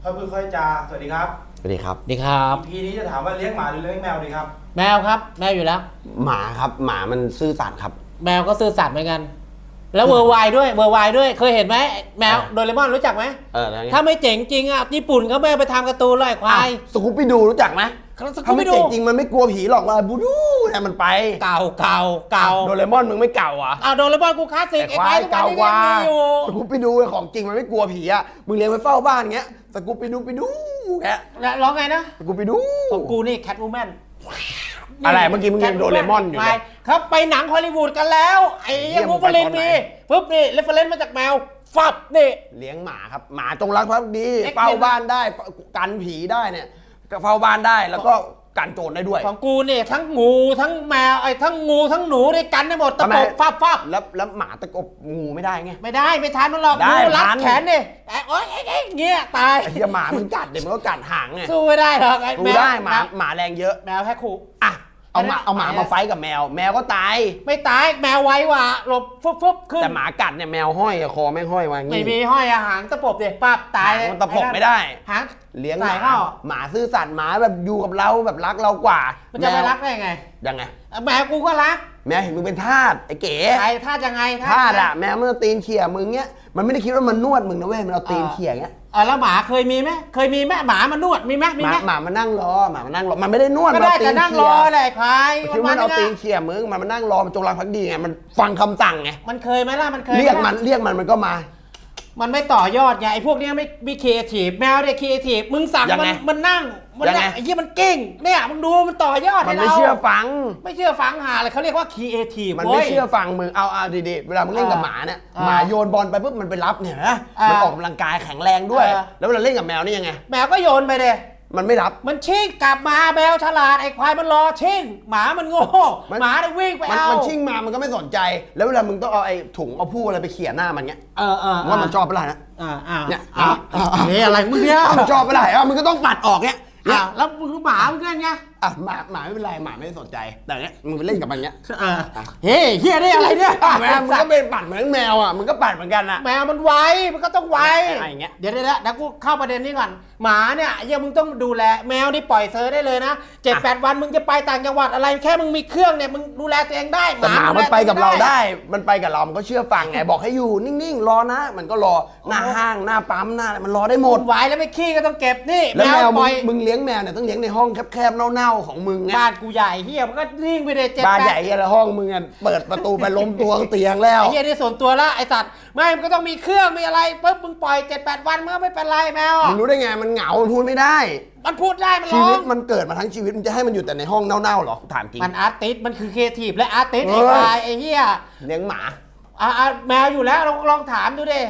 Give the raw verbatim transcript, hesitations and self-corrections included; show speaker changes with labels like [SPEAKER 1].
[SPEAKER 1] ค่อยพูดค่อยจาสวัสดีครับ
[SPEAKER 2] สวัสดีครับ
[SPEAKER 3] ดีครับ
[SPEAKER 1] อี พี นี้จะถามว่าเลี้ยงหมาหรือเลี้ยงแมวดีครับ
[SPEAKER 3] แมวครับแมวอยู่แล้ว
[SPEAKER 2] หมาครับหมามันซื่อสัตย์ครับ
[SPEAKER 3] แมวก็ซื่อสัตย์เหมือนกัน แล้วเวอร์ไวด้วยเวอร์ไวด้วยเคยเห็นไหมแมวโดเรมอนรู้จักไหม
[SPEAKER 2] เออแล้วไง
[SPEAKER 3] ถ้าไม่เจ๋งจริงอ่ะญี่ปุ่นเขาไม่ไปทำการ์ตูนเลยควาย
[SPEAKER 2] สกูปปี้ดูรู้จักไหม
[SPEAKER 3] สกู
[SPEAKER 2] ถ้า
[SPEAKER 3] ปปี้
[SPEAKER 2] ไม่
[SPEAKER 3] ดู
[SPEAKER 2] เจ๋งจริงมันไม่กลัวผีหรอกมาบูดูเนี่ยมันไป
[SPEAKER 3] เก่าเก่าเก่า
[SPEAKER 2] โดเรมอนมึงไม่เก่าอ่ะ
[SPEAKER 3] เอาโดเรมอนกูคลาสสิก
[SPEAKER 2] แต่
[SPEAKER 3] ไอ้
[SPEAKER 2] ควา
[SPEAKER 3] ควาย
[SPEAKER 2] ยเก่ากว่า
[SPEAKER 3] ที่อยู่
[SPEAKER 2] สกูปปี้ดูของจริงมันไม่กลัวผีอ่ะมึงเลี้ยงไว้เฝ้าบ้านเงี้ยสกูปปี้ดูไปดูแก
[SPEAKER 3] แล้วร้องไงนะ
[SPEAKER 2] สกูปปี้ดู
[SPEAKER 3] ของกูนี่แคทวูแมน
[SPEAKER 2] อะไรเมื่อกี้มึงยังโดเรมอนอยู่เลย
[SPEAKER 3] ครับไปหนังฮอลลีวูดกันแล้วไอ้
[SPEAKER 2] เหี้
[SPEAKER 3] ยัง
[SPEAKER 2] ยมึ
[SPEAKER 3] บู
[SPEAKER 2] ง
[SPEAKER 3] ฟ
[SPEAKER 2] ไป
[SPEAKER 3] ลิน
[SPEAKER 2] ตอนไหน
[SPEAKER 3] มีปุ๊บนี่เรฟเฟรนซ์มาจากแมวฟับนี่
[SPEAKER 2] เลี้ยงหมาครับหมาจงรักภักดี
[SPEAKER 3] เอ็กซ์
[SPEAKER 2] เฝ้าบ้านได้กันผีได้เนี่ยก็เฝ้าบ้านได้แล้วก็กันโจรได้ด้วย
[SPEAKER 3] ของกูเนี่ยทั้งงูทั้งแมวไอ้ทั้งงูทั้งหนูด้วยกันได้หมดตะ
[SPEAKER 2] ทำไม
[SPEAKER 3] ปบฟับฟับ
[SPEAKER 2] แล้วแล้วหมาตะกบงูไม่ได้ไง
[SPEAKER 3] ไม่ได้ไม่ทันมันหรอก
[SPEAKER 2] ได้
[SPEAKER 3] งูรัด
[SPEAKER 2] ทัน
[SPEAKER 3] แขนเนี่ยไอ้โอ๊ยไอ้ไอ้เงี้ยตาย
[SPEAKER 2] ไอ้เหี้ยหมามันกัดเดี๋ยวมันก็กัดหางไง
[SPEAKER 3] สู้ไม่ได้หรอกไอ้
[SPEAKER 2] ดู
[SPEAKER 3] แมว
[SPEAKER 2] ได้หมา
[SPEAKER 3] แมว
[SPEAKER 2] หมาแรงเยอะ
[SPEAKER 3] แมวแค่ขู่
[SPEAKER 2] อ่ะเอาหมา
[SPEAKER 3] ไม่ได้
[SPEAKER 2] เอาหมามาไฟท์กับแมว แมวก็ตาย
[SPEAKER 3] ไม่ตายแมวไวกว่าหลบฟุบฟุบขึ้น
[SPEAKER 2] แต่หมากัดเนี่ยแมวห้อยอะคอแม่งห้อยมาอย่าง
[SPEAKER 3] ไม่
[SPEAKER 2] งี้
[SPEAKER 3] มีห้อยอาหารตะปบเด็กปั๊บตาย
[SPEAKER 2] หางมันตะปบไม่ได้
[SPEAKER 3] หาง
[SPEAKER 2] เลี้ยงห
[SPEAKER 3] ใส่
[SPEAKER 2] มา
[SPEAKER 3] เข้า
[SPEAKER 2] หมาซื่อสัตย์หมาแบบอยู่กับเราแบบรักเรากว่า
[SPEAKER 3] มันจะไป
[SPEAKER 2] แว
[SPEAKER 3] รักได้ไง
[SPEAKER 2] ยังไง
[SPEAKER 3] แมวกูก็รัก
[SPEAKER 2] แมวเห็นมึงเป็นทาสไอ้เก๋
[SPEAKER 3] ใครท่ายังไง
[SPEAKER 2] ทาสอะแมวมันเอาตีนเขี่ยมึงเงี้ยมันไม่ได้คิดว่ามันนวดมึงนะเว้ยมันเอาตีนเขี่ยเงี้ย
[SPEAKER 3] เออแล้วหมาเคยมีไหมเคยมีไหมหมามันนวดมีไหมมี
[SPEAKER 2] หมา
[SPEAKER 3] ไหม
[SPEAKER 2] หมามันนั่งรอหมามันนั่งรอมันไม่ได้นวด
[SPEAKER 3] ก็
[SPEAKER 2] มัน
[SPEAKER 3] ได้
[SPEAKER 2] เอาตี
[SPEAKER 3] แต่
[SPEAKER 2] น
[SPEAKER 3] นั่งร
[SPEAKER 2] เขี่
[SPEAKER 3] อย แหละไอ้ควาย
[SPEAKER 2] คิดว่ามันเอา
[SPEAKER 3] ๆะ
[SPEAKER 2] ตีนเขี่ยมึงมันมานั่งรอมันจงรักภักดีไงมันฟังคำสั่งไง
[SPEAKER 3] มันเคยไหมล่ะมันเคย
[SPEAKER 2] เรียก
[SPEAKER 3] ไห
[SPEAKER 2] มันเรียกมันมันก็มา
[SPEAKER 3] มันไม่ต่อยอดไงไอ้พวกเนี้ยไม่มีครีเอทีฟแมวเนี่ยครีเอทีฟมึงสั่ง
[SPEAKER 2] ยัง
[SPEAKER 3] มั
[SPEAKER 2] ไง
[SPEAKER 3] นมันนั่งมัน
[SPEAKER 2] ยังไง
[SPEAKER 3] เนี่ยไอ้ยี่มันเก่งเนี่ยมึงดูมันต่อยอด
[SPEAKER 2] มัน
[SPEAKER 3] ให้
[SPEAKER 2] ไม่
[SPEAKER 3] เรา
[SPEAKER 2] เชื่อฟัง
[SPEAKER 3] ไม่เชื่อฟังหาเลยเขาเรียกว่าครีเอทีฟ
[SPEAKER 2] มันไม่เชื่อฟังมึงเอาเอาดีๆเวลามึงเล่นกับหมาเนี่ย
[SPEAKER 3] อ่า
[SPEAKER 2] หมาโยนบอลไปปุ๊บมันไปรับเนี่ยนะ
[SPEAKER 3] อ่ามั
[SPEAKER 2] มันออกกำลังกายแข็งแรงด้วย
[SPEAKER 3] อ่า
[SPEAKER 2] แล้วเวลาเล่นกับแมวนี่ยังไง
[SPEAKER 3] แมวก็โยนไปเลย
[SPEAKER 2] มันไม่รับ
[SPEAKER 3] มันชิ่งกลับมาแมวฉลาดไอ้ควายมันรอชิ่งหมามันโง่
[SPEAKER 2] มัน
[SPEAKER 3] หมาได้วิ่งไป
[SPEAKER 2] มัน
[SPEAKER 3] เอา
[SPEAKER 2] มันชิ่งมามันก็ไม่สนใจ แล้วเวลามึงต้องเอาไอ้ถุงเอาผู้อะไรไปเขี่ยหน้ามันเงี้ย
[SPEAKER 3] เออเออ
[SPEAKER 2] ว่ามันชอบเปะล่านะ
[SPEAKER 3] อ่าอ่า
[SPEAKER 2] เนี่ย
[SPEAKER 3] อ่า
[SPEAKER 2] อ่า
[SPEAKER 3] เฮ้ยอะไรมึงเนี่ย
[SPEAKER 2] ถ้ามันชอบเปะล่าอ่ะมึงก็ต้องปัดออกเงี้ยเนี่
[SPEAKER 3] อ่าย แล้วมึงหมามึงเล่นไง
[SPEAKER 2] อ่ะหมาหมาไม่เป็นไรหมาไม่ได้สนใจ แต่เนี้ยมึงไปเล่นกับมันเงี้ย
[SPEAKER 3] เออเฮ้ยเฮียได้อะไรเนี่ย
[SPEAKER 2] แมวมึงก็เป็นปัดเหมือนแมวอ่ะมึงก็ปัดเหมือนกันอ่ะ
[SPEAKER 3] แมวมันไวมันก็ต้องไว
[SPEAKER 2] อะไรอย่างเงี้ย
[SPEAKER 3] เดี๋ยวเดี๋ยวเดี๋ยวกูเข้าประเด็นนี้ก่อนหมาเนี่ยเฮียมึงต้องดูแลแมวนี่ปล่อยเซอร์ได้เลยนะเจ็ดแปดวันมึงจะไปต่างจังหวัดอะไรแค่มึงมีเครื่องเนี่ยมึงดูแลตัวเองได้
[SPEAKER 2] แต่หมามันไปกับเราได้ มันไปกับเรา มันก็เชื่อฟังไง บอกให้อยู่นิ่งๆ รอนะ มันก็รอ หน้าห้าง หน้าปั๊ม หน้าอะไรมันรอได้หมด
[SPEAKER 3] ไวแล้วไม่ขี้ก็ต้องเก็บนี่
[SPEAKER 2] แล้วแมว
[SPEAKER 3] ป
[SPEAKER 2] มึ
[SPEAKER 3] ล่
[SPEAKER 2] ง
[SPEAKER 3] อย
[SPEAKER 2] มึงเลี้ยงแมวเนี่ยต้องเลี้ยงในห้องแคบๆ เน่าๆ ของมึงไง
[SPEAKER 3] บ้านกูใหญ่เฮียมันก็นิ่งไปเลยเจ็ด
[SPEAKER 2] บ้าน
[SPEAKER 3] แป
[SPEAKER 2] ใหญ่
[SPEAKER 3] ด
[SPEAKER 2] เหี้ยแล้วห้องมึงอ่ะเปิดประตูไปล้มตัวเตียงแล้ว
[SPEAKER 3] ไอ้เฮียนี่ส่วนตัวละไอ้สัตว์ไม่มันก็ต้องมีเครื่องมีอะไรปุ๊บมึงปล่อยเจ็ดแปดวันมันก็ไม่เป็นไรแมว
[SPEAKER 2] มึงรู้ได้ไง มันเหงา มันพูดไม่ได้
[SPEAKER 3] มันพูดได้มัน
[SPEAKER 2] ชี
[SPEAKER 3] ร้อ
[SPEAKER 2] วิต
[SPEAKER 3] ง
[SPEAKER 2] มันเกิดมาทั้งชีวิต มันจะให้มันอยู่แต่ในห้องเน่าๆหรอ ถามจริง
[SPEAKER 3] มันอาร์ติสมันคือครีเอทีฟและอาร์ติส
[SPEAKER 2] เอ
[SPEAKER 3] ไอ้
[SPEAKER 2] อ
[SPEAKER 3] ควายไอ้เฮีย
[SPEAKER 2] เลี้ยงหมา
[SPEAKER 3] อ่าแมวอยู่แล้วลองลองถามดูดิ